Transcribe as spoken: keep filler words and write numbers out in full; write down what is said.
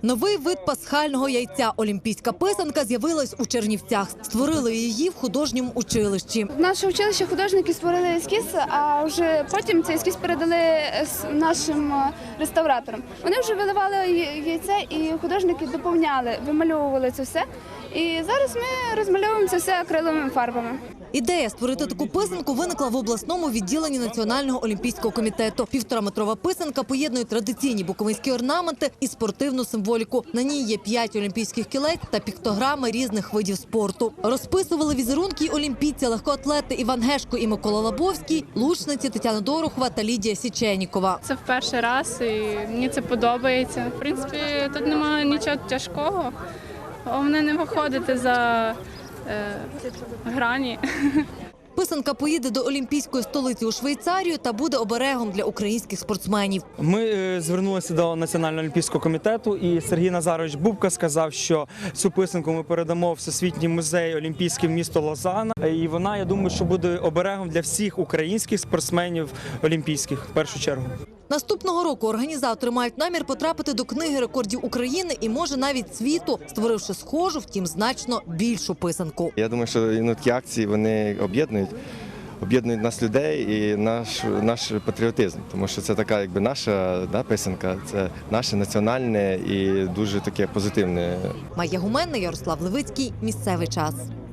Новий вид пасхального яйця – олімпійська писанка з'явилась у Чернівцях. Створили її в художньому училищі. В наше училище художники створили ескіз, а вже потім цей ескіз передали нашим реставраторам. Вони вже виливали яйце і художники доповняли, вимальовували це все. І зараз ми розмальовуємо це все акриловими фарбами. Ідея створити таку писанку виникла в обласному відділенні Національного олімпійського комітету. Півтораметрова писанка поєднує традиційні буковинські орнаменти і спортивну символіку. На ній є п'ять олімпійських кілець та піктограми різних видів спорту. Розписували візерунки й олімпійці, легкоатлети Іван Гешко і Микола Лабовський, лучниці Тетяна Дорохова та Лідія Січенікова. Це в перший раз і мені це подобається. В принципі, тут немає нічого тяжкого. Головне не виходити за е, грані. Писанка поїде до олімпійської столиці у Швейцарію та буде оберегом для українських спортсменів. Ми е, звернулися до Національного олімпійського комітету, і Сергій Назарович Бубка сказав, що цю писанку ми передамо в Всесвітній музей олімпійський місто Лозанна. І вона, я думаю, що буде оберегом для всіх українських спортсменів олімпійських в першу чергу. Наступного року організатори мають намір потрапити до книги рекордів України і, може, навіть світу, створивши схожу, втім, значно більшу писанку. Я думаю, що ну, такі акції вони об'єднують, об'єднують нас людей і наш, наш патріотизм, тому що це така якби наша да, писанка, це наше національне і дуже таке позитивне. Майя Гуменна, Ярослав Левицький. Місцевий час.